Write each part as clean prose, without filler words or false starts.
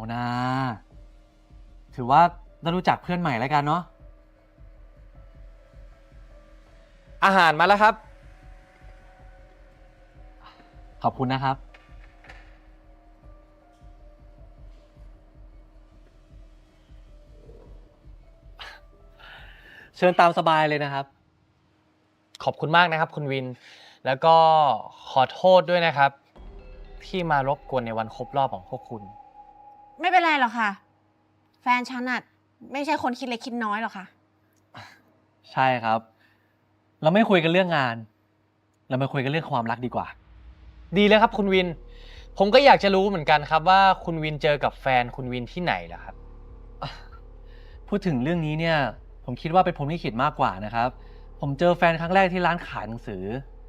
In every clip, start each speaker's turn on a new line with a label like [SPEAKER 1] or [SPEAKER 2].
[SPEAKER 1] นะถือว่าได้รู้จักเพื่อนใหม่แล้วกันเนาะ
[SPEAKER 2] อาหารมาแล้วครับ
[SPEAKER 1] ขอบคุณนะครับ เชิญตามสบายเลยนะครับ
[SPEAKER 2] ขอบคุณมากนะครับคุณวิน แล้วก็ขอโทษด้วยนะครับ ที่มารบกวนในวันครบรอบของพวกคุณ
[SPEAKER 3] ไม่เป็นไรหรอกค่ะ แฟนฉันอะไม่ใช่คนคิดเล็กคิดน้อยหรอกค่ะ
[SPEAKER 1] ใช่ครับ เราไม่คุยกันเรื่องงาน เรามาคุยกันเรื่องความรักดีกว่า
[SPEAKER 2] ดีเลยครับคุณวิน ผมก็อยากจะรู้เหมือนกันครับว่าคุณวินเจอกับแฟนคุณวินที่ไหนล่ะครับ
[SPEAKER 1] พูดถึงเรื่องนี้เนี่ย ผมคิดว่าเป็นผมที่คิดมากกว่านะครับ ผมเจอแฟนครั้งแรกที่ร้านขายหนังสือ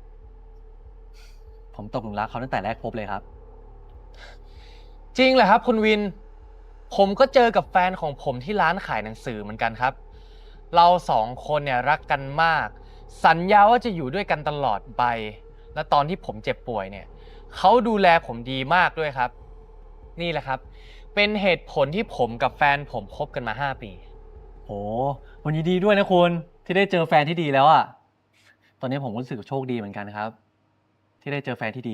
[SPEAKER 1] ผมตกหลุมรักเขาตั้งแต่แรกพบเลยครับ
[SPEAKER 2] จริงเหรอครับคุณวิน ผมก็เจอกับแฟนของผมที่ร้านขายหนังสือเหมือนกันครับ เราสองคนเนี่ยรักกันมาก สัญญาว่าจะอยู่ด้วยกันตลอดไป และตอนที่ผมเจ็บป่วยเนี่ยเขาดูแลผมดีมากด้วยครับ นี่แหละครับ เป็นเหตุผลที่ผมกับแฟนผมคบกันมา5 ปี
[SPEAKER 1] โหวันนี้ดีด้วยนะคุณที่ได้เจอแฟนที่ดีแล้วอะตอนนี้ผมรู้สึกโชคดีเหมือนกันครับ ที่ได้เจอแฟนที่ดี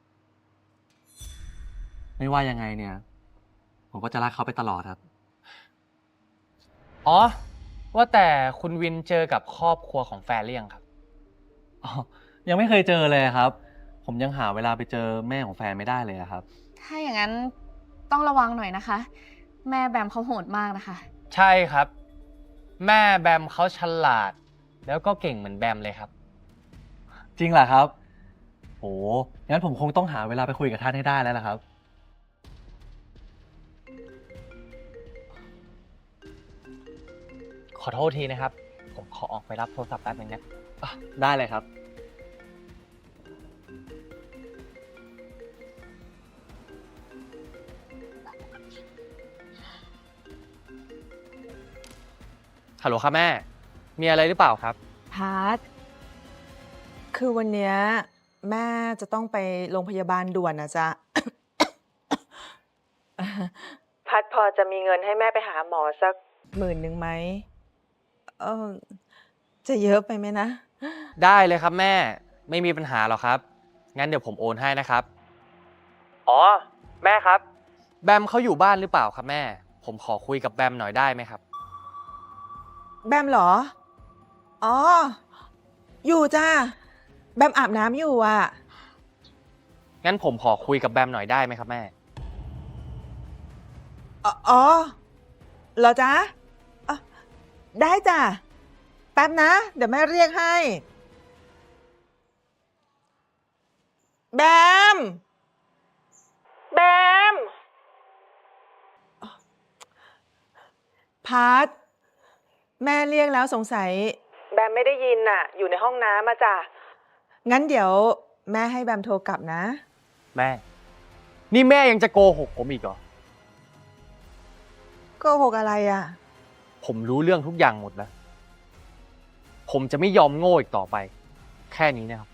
[SPEAKER 1] ไม่ว่ายังไงเนี่ย ผมก็จะรักเขาไปตลอดครับ
[SPEAKER 2] อ๋อ ว่าแต่คุณวินเจอกับครอบครัวของแฟนหรือยังครับ
[SPEAKER 1] อ๋อ ยังไม่เคยเจอเลยครับ ผมยังหาเวลาไปเจอแม่ของแฟนไม่ได้เลยอะครับ
[SPEAKER 3] ถ้าอย่างนั้นต้องระวังหน่อยนะคะ แม่แบมเขาโหดมากนะคะ
[SPEAKER 2] ใช่ครับ แม่แบมเขาฉลาด แล้วก็เก่งเหมือนแบมเลยครับ
[SPEAKER 1] จริงเหรอครับโหงั้นผมคงต้องหาเวลาไปคุยกับท่านให้ได้แล้วล่ะครับ
[SPEAKER 2] ขอโทษทีนะครับ ผมขอออกไปรับโทรศัพท์แป๊บนึงนะ
[SPEAKER 1] ได้เลยครับ
[SPEAKER 2] ฮัลโหลครับแม่ มีอะไรหรือเปล่าครับ
[SPEAKER 4] พาร์ทคือวันเนี้ยแม่จะต้องไปโรงพยาบาลด่วนนะจ๊ะ พัดพอจะมีเงินให้แม่ไปหาหมอสัก10,000ไหมเออจะเยอะไปไหมนะ
[SPEAKER 2] ได้เลยครับแม่ ไม่มีปัญหาหรอกครับ งั้นเดี๋ยวผมโอนให้นะครับ อ๋อ แม่ครับ แบมเขาอยู่บ้านหรือเปล่าครับแม่ ผมขอคุยกับแบมหน่อยได้ไหมครับ
[SPEAKER 4] แบมเหรอ อ๋อ อยู่จ้าแบมอาบน้ำอยู่อ่ะ
[SPEAKER 2] งั้นผมขอคุยกับแบมหน่อยได้ไหมครับแม่
[SPEAKER 4] อ๋อเหรอจ๊ะอ๋อได้จ้ะ แป๊บนะ เดี๋ยวแม่เรียกให้ แบม แบมพาร์ทแม่เรียกแล้วสงสัย แบมไม่ได้ยินน่ะ อยู่ในห้องน้ำมาจ้ะ งั้นเดี๋ยวแม่ให้แบมโทรกลับนะ
[SPEAKER 2] แม่ นี่แม่ยังจะโกหกผมอีกเหรอ
[SPEAKER 4] โกหกอะไรอ่ะ
[SPEAKER 2] ผมรู้เรื่องทุกอย่างหมดแล้ว ผมจะไม่ยอมโง่อีกต่อไป แค่นี้นะครับ